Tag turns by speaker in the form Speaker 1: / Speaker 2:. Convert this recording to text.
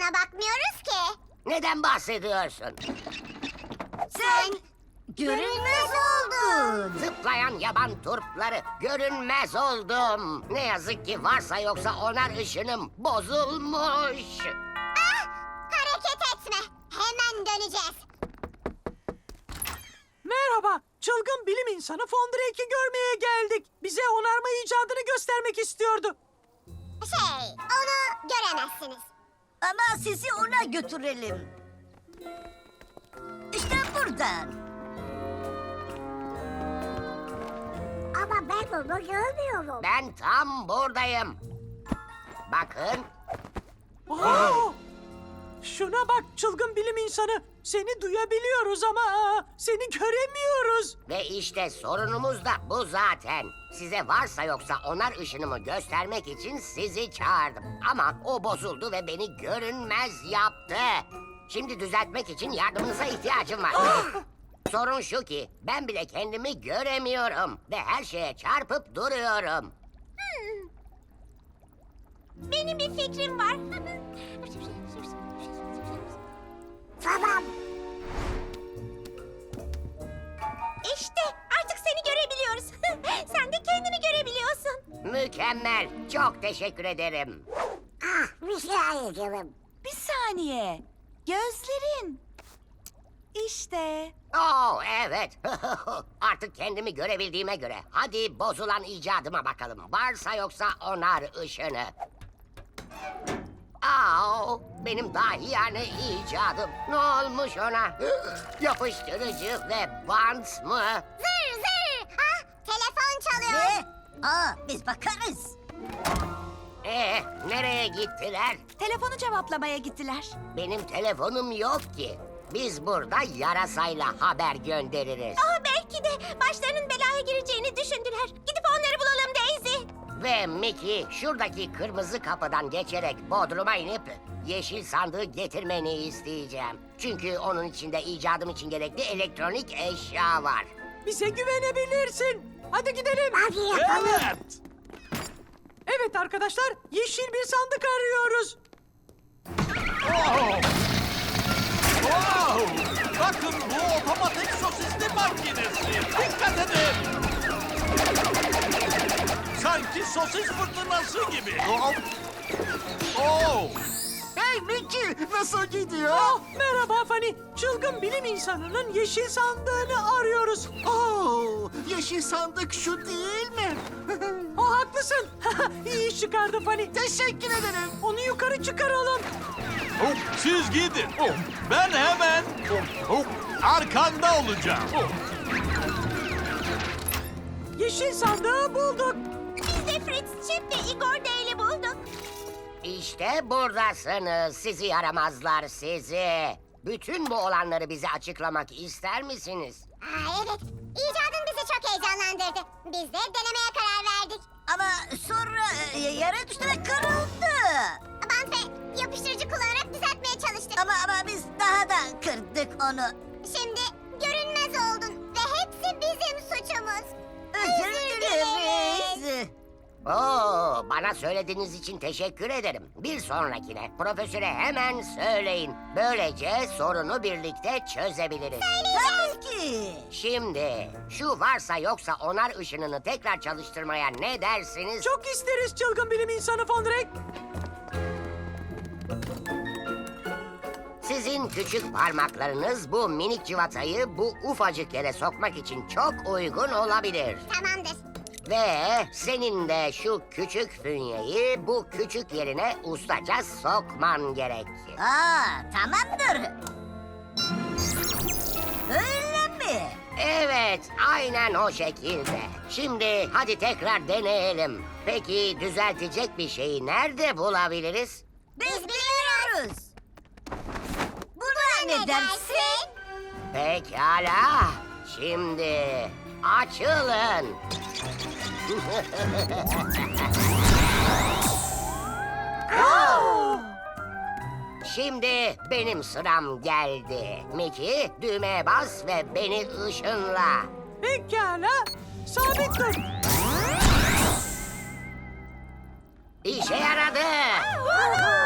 Speaker 1: bakmıyoruz ki.
Speaker 2: Neden bahsediyorsun?
Speaker 1: Sen görünmez oldun.
Speaker 2: Zıplayan yaban turpları görünmez oldum. Ne yazık ki varsa yoksa onar ışınım bozulmuş.
Speaker 1: Hareket etme. Hemen döneceğiz.
Speaker 3: Merhaba, çılgın bilim insanı Fondrake'i görmeye geldik. Bize onarma icadını göstermek istiyordu.
Speaker 1: Onu göremezsiniz.
Speaker 4: Ama sizi ona götürelim. İşte buradan.
Speaker 1: Ama ben onu görmüyorum.
Speaker 2: Ben tam buradayım. Bakın.
Speaker 3: Aa! Şuna bak çılgın bilim insanı. Seni duyabiliyoruz ama seni göremiyoruz.
Speaker 2: Ve işte sorunumuz da bu zaten. Size varsa yoksa onar ışınımı göstermek için sizi çağırdım. Ama o bozuldu ve beni görünmez yaptı. Şimdi düzeltmek için yardımınıza ihtiyacım var. Sorun şu ki ben bile kendimi göremiyorum. Ve her şeye çarpıp duruyorum.
Speaker 1: Benim bir fikrim var. Tamam. İşte artık seni görebiliyoruz. Sen de kendini görebiliyorsun.
Speaker 2: Mükemmel. Çok teşekkür ederim.
Speaker 1: Rica ederim.
Speaker 4: Bir saniye. Gözlerin. İşte.
Speaker 2: Oo evet. Artık kendimi görebildiğime göre hadi bozulan icadıma bakalım. Varsa yoksa onar ışını. Aa, benim dahiyane icadım. Ne olmuş ona? Yapıştırıcı ve bant mı?
Speaker 1: Zır zır. Telefon çalıyor.
Speaker 4: Ne? Biz bakarız.
Speaker 2: Nereye gittiler?
Speaker 4: Telefonu cevaplamaya gittiler.
Speaker 2: Benim telefonum yok ki. Biz burada yarasayla haber göndeririz.
Speaker 1: Belki de başlarının belaya gireceğini düşündüler. Gidip onları bulalım Daisy.
Speaker 2: Ve Mickey şuradaki kırmızı kapıdan geçerek Bodrum'a inip yeşil sandığı getirmeni isteyeceğim. Çünkü onun içinde icadım için gerekli elektronik eşya var.
Speaker 3: Bize güvenebilirsin. Hadi gidelim.
Speaker 5: Evet.
Speaker 3: Evet arkadaşlar, yeşil bir sandık arıyoruz.
Speaker 5: Wow. Wow. Bakın bu otomatik sosisli makinesi. Dikkat edin. Sanki sosis fırtınası gibi. Oh.
Speaker 6: Hey Mickey, nasıl gidiyor?
Speaker 3: Merhaba Fanny, çılgın bilim insanının yeşil sandığını arıyoruz.
Speaker 6: Yeşil sandık şu değil mi?
Speaker 3: Haklısın. İyi iş çıkardı Fanny.
Speaker 6: Teşekkür ederim.
Speaker 3: Onu yukarı çıkaralım.
Speaker 5: Siz gidin. Ben hemen arkanda olacağım.
Speaker 3: Yeşil sandığı bulduk.
Speaker 1: Biz de Fritz Chip ve Igor Dale'i bulduk.
Speaker 2: İşte buradasınız sizi yaramazlar sizi. Bütün bu olanları bize açıklamak ister misiniz?
Speaker 1: Evet. İcadın bizi çok heyecanlandırdı. Biz de denemeye karar verdik.
Speaker 4: Ama sonra yere düşerek kırıldı.
Speaker 1: Bant ve yapıştırıcı kullanarak düzeltmeye çalıştık.
Speaker 4: Ama biz daha da kırdık onu.
Speaker 1: Şimdi görünmez oldun ve hepsi bizim suçumuz.
Speaker 4: Özür dileriz.
Speaker 2: Oo, bana söylediğiniz için teşekkür ederim. Bir sonrakine profesöre hemen söyleyin. Böylece sorunu birlikte çözebiliriz.
Speaker 4: Tabii ki.
Speaker 2: Şimdi şu varsa yoksa onar ışınını tekrar çalıştırmaya ne dersiniz?
Speaker 3: Çok isteriz çılgın bilim insanı Fondrake.
Speaker 2: Sizin küçük parmaklarınız bu minik civatayı bu ufacık yere sokmak için çok uygun olabilir.
Speaker 1: Tamamdır.
Speaker 2: Ve senin de şu küçük fünyeyi bu küçük yerine ustaca sokman gerek.
Speaker 4: Tamamdır. Öyle mi?
Speaker 2: Evet, aynen o şekilde. Şimdi hadi tekrar deneyelim. Peki düzeltecek bir şeyi nerede bulabiliriz?
Speaker 4: Biz biliyoruz. Buna ne dersin?
Speaker 2: Pekala. Şimdi açılın. Şimdi benim sıram geldi. Mickey düğmeye bas ve beni ışınla.
Speaker 3: Pekala, sabit dur.
Speaker 2: İşe yaradı.
Speaker 1: Woohoo!